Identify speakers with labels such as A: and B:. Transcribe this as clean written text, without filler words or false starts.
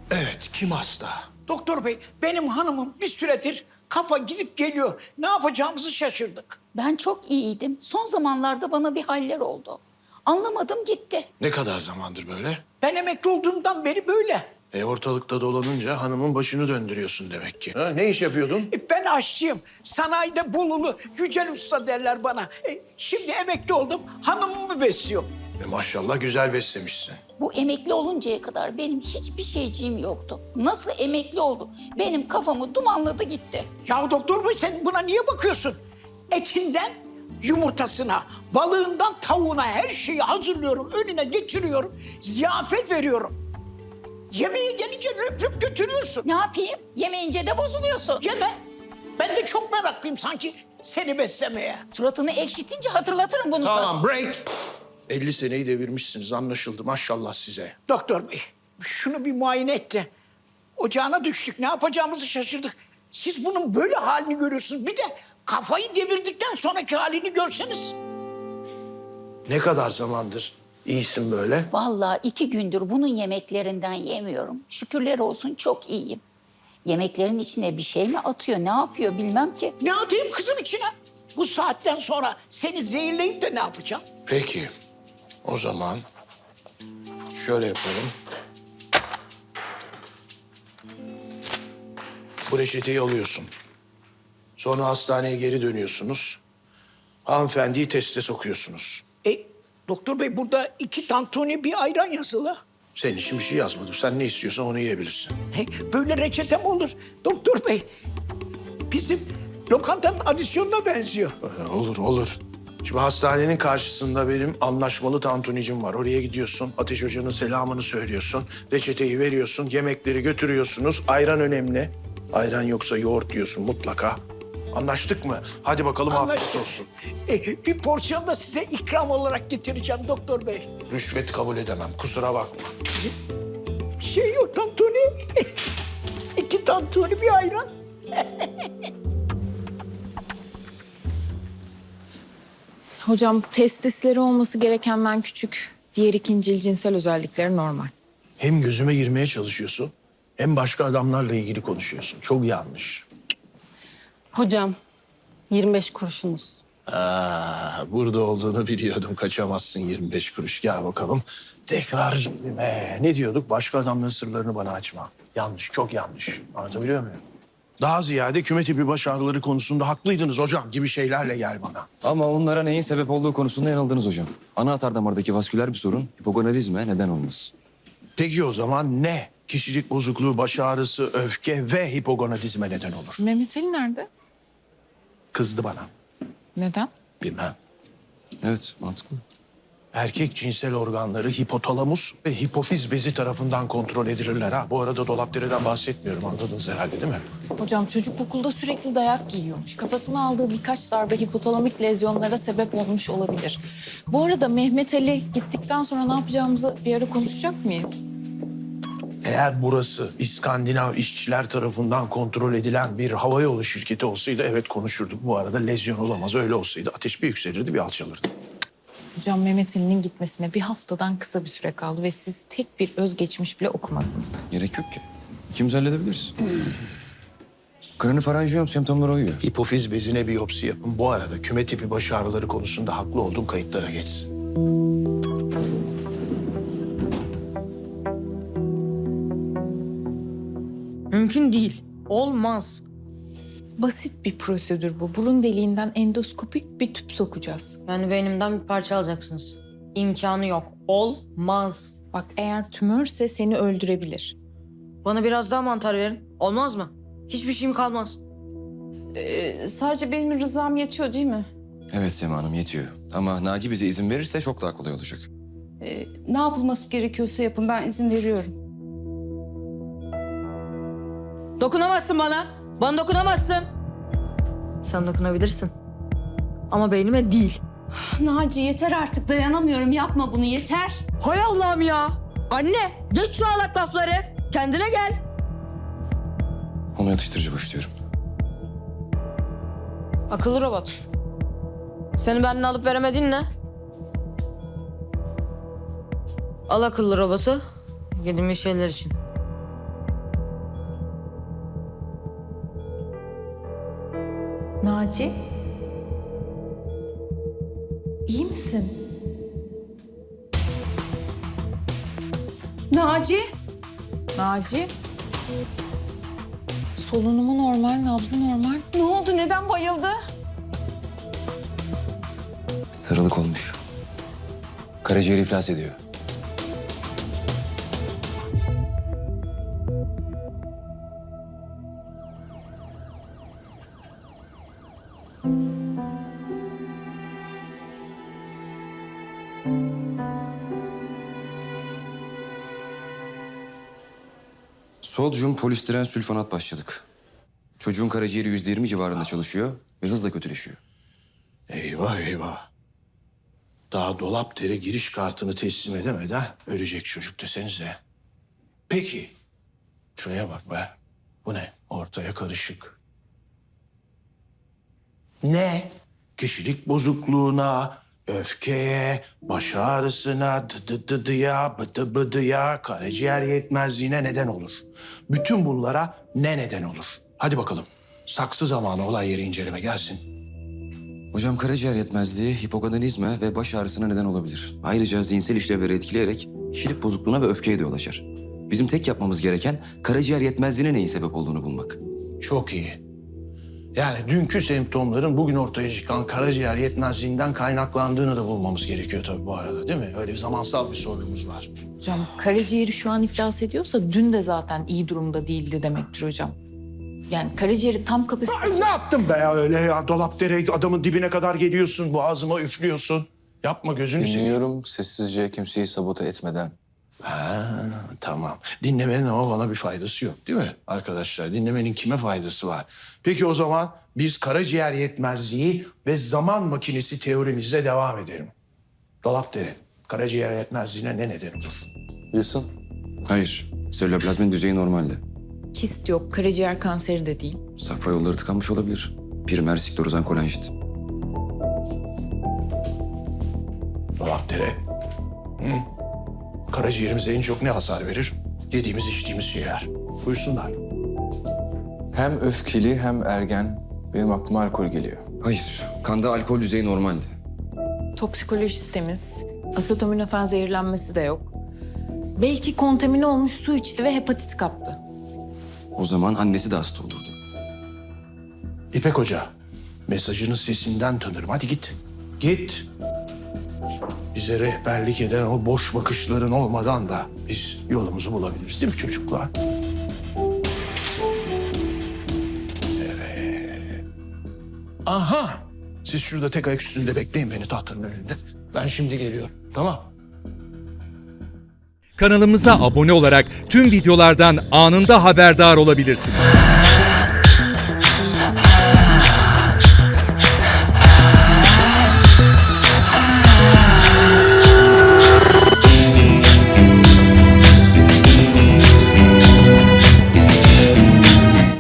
A: Evet, kim hasta?
B: Doktor bey, benim hanımım bir süredir kafa gidip geliyor. Ne yapacağımızı şaşırdık.
C: Ben çok iyiydim. Son zamanlarda bana bir haller oldu. Anlamadım gitti.
A: Ne kadar zamandır böyle?
B: Ben emekli olduğumdan beri böyle.
A: Ortalıkta dolanınca hanımın başını döndürüyorsun demek ki. Ha, ne iş yapıyordun?
B: Ben aşçıyım. Sanayide Bolulu Yücel Usta derler bana. Şimdi emekli oldum. Hanımımı besliyorum.
A: Maşallah güzel beslemişsin.
C: Bu emekli oluncaya kadar benim hiçbir şeyciğim yoktu. Nasıl emekli oldu? Benim kafamı dumanladı gitti.
B: Ya doktor bey sen buna niye bakıyorsun? Etinden yumurtasına, balığından tavuğuna her şeyi hazırlıyorum. Önüne getiriyorum. Ziyafet veriyorum. Yemeğe gelince öpüp götürüyorsun.
C: Ne yapayım? Yemeyince de bozuluyorsun.
B: Yeme. Ben de çok meraklıyım sanki seni beslemeye.
C: Suratını ekşitince hatırlatırım bunu sana.
A: Tamam, break. 50 seneyi devirmişsiniz, anlaşıldı. Maşallah size.
B: Doktor bey, şunu bir muayene et de. Ocağına düştük, ne yapacağımızı şaşırdık. Siz bunun böyle halini görüyorsunuz. Bir de kafayı devirdikten sonraki halini görseniz.
A: Ne kadar zamandır iyisin böyle?
C: Vallahi 2 gündür bunun yemeklerinden yemiyorum. Şükürler olsun çok iyiyim. Yemeklerin içine bir şey mi atıyor, ne yapıyor bilmem ki.
B: Ne atayım kızım içine? Bu saatten sonra seni zehirleyip de ne yapacağım?
A: Peki, o zaman şöyle yapalım. Bu reçeteyi alıyorsun. Sonra hastaneye geri dönüyorsunuz. Hanımefendiyi teste sokuyorsunuz.
B: Doktor bey burada 2 tantuni bir ayran yazılı.
A: Senin için bir şey yazmadım. Sen ne istiyorsan onu yiyebilirsin.
B: Böyle reçete mi olur? Doktor bey, bizim lokantanın adisyonuna benziyor.
A: Olur, olur. Şimdi hastanenin karşısında benim anlaşmalı tantunicim var. Oraya gidiyorsun, Ateş Hoca'nın selamını söylüyorsun. Reçeteyi veriyorsun, yemekleri götürüyorsunuz. Ayran önemli. Ayran yoksa yoğurt diyorsun mutlaka. Anlaştık mı? Hadi bakalım afiyet
B: Anlaştık.
A: olsun.
B: Bir porsiyon da size ikram olarak getireceğim doktor bey.
A: Rüşvet kabul edemem, kusura bakma.
B: Şey yok tantuni. 2 tantuni bir ayran.
D: Hocam testisleri olması gerekenden küçük. Diğer ikincil cinsel özellikleri normal.
A: Hem gözüme girmeye çalışıyorsun, hem başka adamlarla ilgili konuşuyorsun. Çok yanlış.
E: Hocam 25 kuruşunuz.
A: Burada olduğunu biliyordum. Kaçamazsın 25 kuruş. Gel bakalım. Tekrar cebime. Ne diyorduk? Başka adamların sırlarını bana açma. Yanlış, çok yanlış. Anlatabiliyor muyum? Daha ziyade küme tipi baş ağrıları konusunda haklıydınız hocam gibi şeylerle gel bana.
F: Ama onlara neyin sebep olduğu konusunda yanıldınız hocam. Ana atar damardaki vasküler bir sorun hipogonadizme neden olmaz.
A: Peki o zaman ne? Kişilik bozukluğu, baş ağrısı, öfke ve hipogonadizme neden olur.
D: Mehmet Ali nerede?
A: Kızdı bana.
D: Neden?
A: Bilmem.
F: Evet mantıklı.
A: Erkek cinsel organları hipotalamus ve hipofiz bezi tarafından kontrol edilirler ha. Bu arada dolapdereden bahsetmiyorum, anladınız herhalde değil mi?
D: Hocam çocuk okulda sürekli dayak giyiyormuş. Kafasına aldığı birkaç darbe hipotalamik lezyonlara sebep olmuş olabilir. Bu arada Mehmet Ali gittikten sonra ne yapacağımızı bir ara konuşacak mıyız?
A: Eğer burası İskandinav işçiler tarafından kontrol edilen bir havayolu şirketi olsaydı evet konuşurduk. Bu arada lezyon olamaz. Öyle olsaydı ateş bir yükselirdi, bir alçalırdı.
D: Hocam Mehmet Ali'nin gitmesine bir haftadan kısa bir süre kaldı ve siz tek bir özgeçmiş bile okumadınız.
F: Gerek yok ki. İkimiz halledebiliriz. Kranifaranjiyom semptomları uyuyor.
A: Hipofiz bezine biyopsi yapın. Bu arada küme tipi baş ağrıları konusunda haklı olduğum kayıtlara geçsin.
G: Mümkün değil. Olmaz.
D: Basit bir prosedür bu. Burun deliğinden endoskopik bir tüp sokacağız.
G: Yani beynimden bir parça alacaksınız. İmkanı yok. Olmaz.
D: Bak eğer tümörse seni öldürebilir.
G: Bana biraz daha mantar verin. Olmaz mı? Hiçbir şeyim kalmaz.
H: Sadece benim rızam yetiyor değil mi?
F: Evet Sema Hanım yetiyor. Ama Naci bize izin verirse çok daha kolay olacak.
H: Ne yapılması gerekiyorsa yapın, ben izin veriyorum.
G: Dokunamazsın bana. Bana dokunamazsın. Sen dokunabilirsin. Ama beynime değil.
H: Naci yeter artık, dayanamıyorum, yapma bunu, yeter.
G: Hay Allah'ım ya. Anne geç şu alak lafları. Kendine gel.
F: Onu yatıştırıcı başlıyorum.
G: Akıllı robot. Seni benden alıp veremedin ne? Al akıllı robotu. Gidin bir şeyler için.
D: Naci? İyi misin?
H: Naci.
D: Naci? Solunumu normal, nabzı normal.
H: Ne oldu? Neden bayıldı?
F: Sarılık olmuş. Karaciğeri iflas ediyor. Sodyum polistiren sülfonat başladık. Çocuğun karaciğeri %20 civarında çalışıyor ve hızla kötüleşiyor.
A: Eyvah eyvah. Daha Dolapdere giriş kartını teslim edemeden ölecek çocuk desenize. Peki. Şuraya bak be. Bu ne? Ortaya karışık. Ne? Kişilik bozukluğuna, öfkeye, baş ağrısına, dıdıdıya, bıdı bıdıya, karaciğer yetmezliğine neden olur. Bütün bunlara ne neden olur? Hadi bakalım. Saksı zamanı olay yeri inceleme gelsin.
F: Hocam karaciğer yetmezliği, hipogonadizme ve baş ağrısına neden olabilir. Ayrıca zihinsel işlevleri etkileyerek kişilik bozukluğuna ve öfkeye de yol açar. Bizim tek yapmamız gereken karaciğer yetmezliğine neyin sebep olduğunu bulmak.
A: Çok iyi. Yani dünkü semptomların bugün ortaya çıkan karaciğer yetmezliğinden kaynaklandığını da bulmamız gerekiyor tabii bu arada, değil mi? Öyle bir zamansal bir sorunumuz var.
D: Hocam karaciğeri şu an iflas ediyorsa dün de zaten iyi durumda değildi demektir hocam. Yani karaciğeri tam kapasite...
A: Ay, ne yaptın be ya öyle ya? Dolapdere adamın dibine kadar geliyorsun, boğazıma üflüyorsun. Yapma gözünü seveyim.
I: Dinliyorum sessizce, kimseyi sabote etmeden.
A: Ha, tamam. Dinlemenin ama bana bir faydası yok, değil mi arkadaşlar? Dinlemenin kime faydası var? Peki o zaman biz karaciğer yetmezliği ve zaman makinesi teorimizle devam edelim. Dolapdere, karaciğer yetmezliğine ne neden olur?
I: Wilson,
F: Hayır, selüloplazmin düzeyi normalde.
D: Kist yok, karaciğer kanseri de değil.
F: Safra yolları tıkanmış olabilir. Primer sklerozan kolanjit.
A: Dolapdere. Hı? Karaciğerimize en çok ne hasar verir? Yediğimiz, içtiğimiz şeyler. Buyursunlar.
I: hem öfkeli hem ergen. Benim aklıma alkol geliyor.
F: Hayır, kanda alkol düzeyi normaldi.
D: Toksikolojisi temiz, asetaminofen zehirlenmesi de yok. Belki kontamine olmuş su içti ve hepatit kaptı.
F: O zaman annesi de hasta olurdu.
A: İpek Hoca, mesajını sesinden tanırım. Hadi git. Git. Bize rehberlik eden o boş bakışların olmadan da biz yolumuzu bulabiliriz, değil mi çocuklar? Evet. Aha! Siz şurada tek ayak üstünde bekleyin beni tahtanın önünde. Ben şimdi geliyorum, tamam?
J: Kanalımıza abone olarak tüm videolardan anında haberdar olabilirsiniz.